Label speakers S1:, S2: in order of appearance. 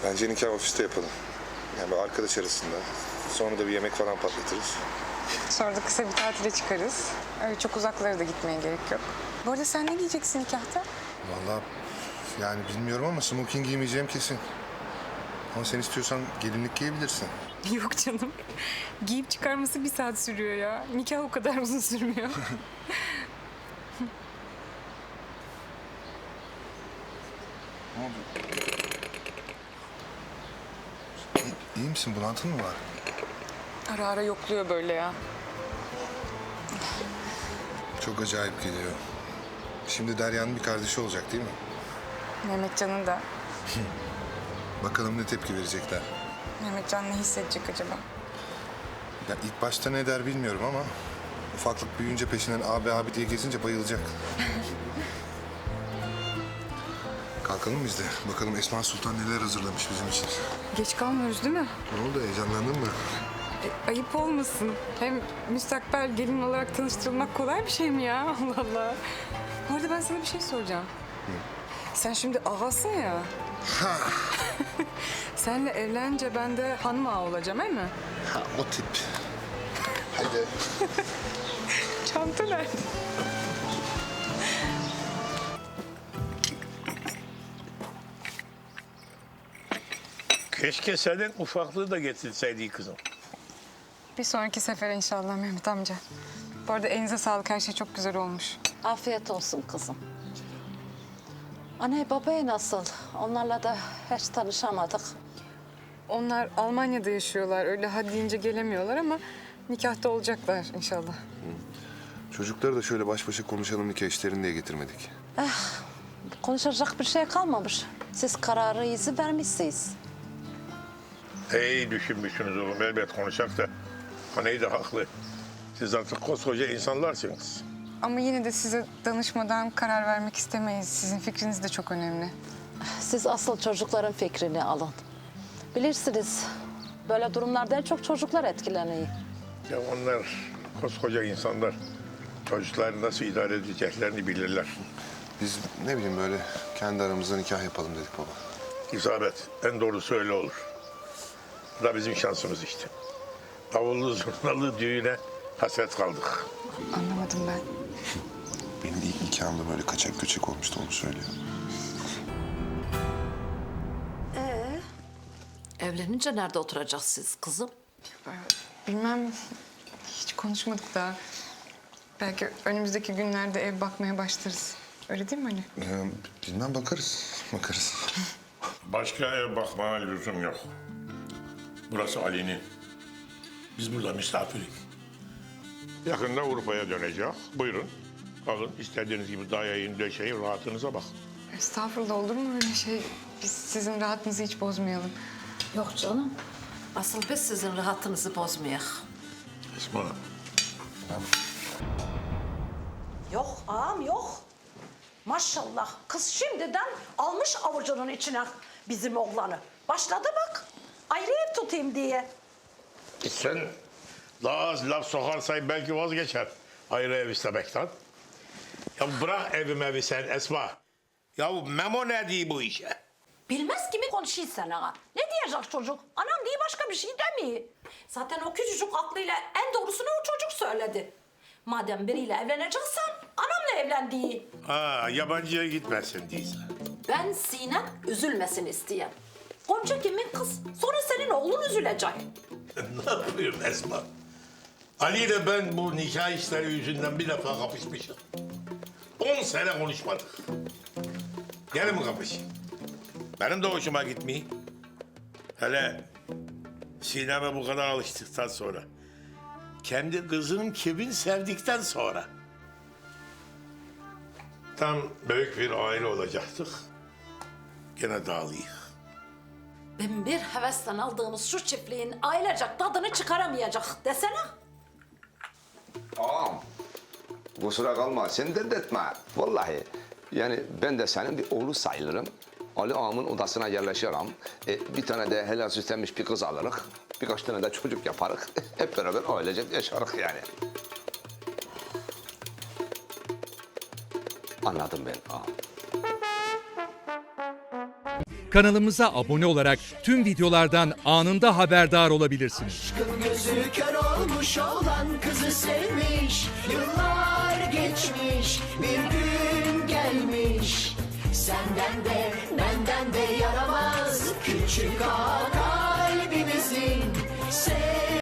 S1: Bence nikah ofiste yapalım. Yani böyle arkadaş arasında. Sonra da bir yemek falan patlatırız.
S2: Sonra da kısa bir tatile çıkarız. Öyle çok uzaklara da gitmeye gerek yok. Bu arada sen ne giyeceksin nikahta?
S1: Vallahi yani bilmiyorum ama smoking giymeyeceğim kesin. Ama sen istiyorsan gelinlik giyebilirsin.
S2: Yok canım. Giyip çıkarması 1 saat sürüyor ya. Nikah o kadar uzun sürmüyor.
S1: Ne oldu? İyi misin? Bulantın mı var?
S2: Ara ara yokluyor böyle ya.
S1: Çok acayip geliyor. Şimdi Derya'nın bir kardeşi olacak değil mi?
S2: Mehmetcan'ın da.
S1: Bakalım ne tepki verecekler.
S2: Mehmetcan ne hissedecek acaba?
S1: Ya ilk başta ne der bilmiyorum ama... ufaklık büyüyünce peşinden abi abi diye gezince bayılacak. Kalkalım biz de. Bakalım Esma Sultan neler hazırlamış bizim için.
S2: Geç kalmıyoruz değil mi?
S1: Ne oldu? Heyecanlandın mı?
S2: Ayıp olmasın. Hem müstakbel gelin olarak tanıştırılmak kolay bir şey mi ya? Allah Allah. Bu arada ben sana bir şey soracağım. Sen şimdi ağasın ya. Senle evlenince ben de hanım ağa olacağım, değil mi?
S1: Ha, o tip. Hadi.
S2: Çanta nerede?
S3: Keşke senin ufaklığı da getirseydi kızım.
S2: Bir sonraki sefer inşallah Mehmet amca. Bu arada elinize sağlık. Her şey çok güzel olmuş.
S4: Afiyet olsun kızım. Anne babaya nasıl? Onlarla da hiç tanışamadık.
S2: Onlar Almanya'da yaşıyorlar. Öyle ha deyince gelemiyorlar ama nikahta olacaklar inşallah.
S1: Çocukları da şöyle baş başa konuşalım nikah işlerini diye getirmedik.
S4: Konuşacak bir şey kalmamış. Siz kararınızı vermişsiniz.
S3: İyi düşünmüşsünüz oğlum. Elbet konuşacak da. Anneyi de haklı. Siz artık koskoca insanlarsınız.
S2: Ama yine de size danışmadan karar vermek istemeyiz. Sizin fikriniz de çok önemli.
S4: Siz asıl çocukların fikrini alın. Bilirsiniz böyle durumlarda en çok çocuklar etkileniyor.
S3: Ya onlar koskoca insanlar. Çocukları nasıl idare edeceklerini bilirler.
S1: Biz ne bileyim böyle kendi aramızda nikah yapalım dedik baba.
S3: İsabet. En doğrusu öyle olur. Bu da bizim şansımız işte. Davullu zurnalı düğüne hasret kaldık.
S2: Anlamadım ben.
S1: Benim ilk nikahımda böyle kaçak göçek olmuştu onu söylüyor.
S4: Evlenince nerede oturacaksınız kızım?
S2: Bilmem. Hiç konuşmadık daha. Belki önümüzdeki günlerde ev bakmaya başlarız. Öyle değil mi Ali?
S1: Bilmem bakarız.
S3: Başka ev bakmaya lüzum yok. Burası Ali'nin. Biz burada misafiriz. Yakında Avrupa'ya dönecek. Buyurun. Alın istediğiniz gibi dayayın, döşeyin, rahatınıza bak.
S2: Estağfurullah, olur mu öyle şey? Biz sizin rahatınızı hiç bozmayalım.
S4: Yok canım. Asıl biz sizin rahatınızı bozmayak.
S3: Esma,
S5: Yok ağam yok. Maşallah kız şimdiden almış avucunun içine bizim oğlanı. Başladı bak. Ayrı ev tutayım diye.
S3: sen daha az laf sokarsan belki vazgeçer. Ayrı ev istemekten. Ya bırak evi sen Esma. Ya Memo ne diyor bu işe?
S5: Bilmez kimi konuşuyorsun sen ağa. Ne diyecek çocuk? Anam diye başka bir şey demiyor. Zaten o küçücük aklıyla en doğrusunu o çocuk söyledi. Madem biriyle evleneceksen anamla evlen diye.
S3: Ha, yabancıya gitmesin diyorsun.
S5: Ben Sinem üzülmesin isteyen. Gonca kimin kız? Sonra senin oğlun üzülecek.
S3: Ne yapıyorum Esma? Ali ile ben bu nikah işleri yüzünden bir defa kapışmışız. 10 sene konuşmadık. Gene mi kapışayım? Benim de hoşuma gitmiyor. Hele Sinem'e bu kadar alıştıktan sonra. Kendi kızının kimin sevdikten sonra. Tam büyük bir aile olacaktık. Gene dağılıyık.
S5: Ben bir hevesten aldığımız şu çiftliğin ailecek tadını çıkaramayacak desene.
S6: Ağam, kusura kalma, sen dert etme. Vallahi, yani ben de senin bir oğlu sayılırım. Ali ağamın odasına yerleşirim. Bir tane de helal süslenmiş bir kız alırız. Birkaç tane de çocuk yaparız. Hep beraber ailecek yaşarız yani. Anladım ben ağam.
S7: Kanalımıza abone olarak tüm videolardan anında haberdar olabilirsiniz.
S8: Aşkın gözü kör olmuş olan kızı sevmiş. Yıllar geçmiş, bir gün gelmiş. Senden de benden de yaramaz küçük ağa kalbimizin.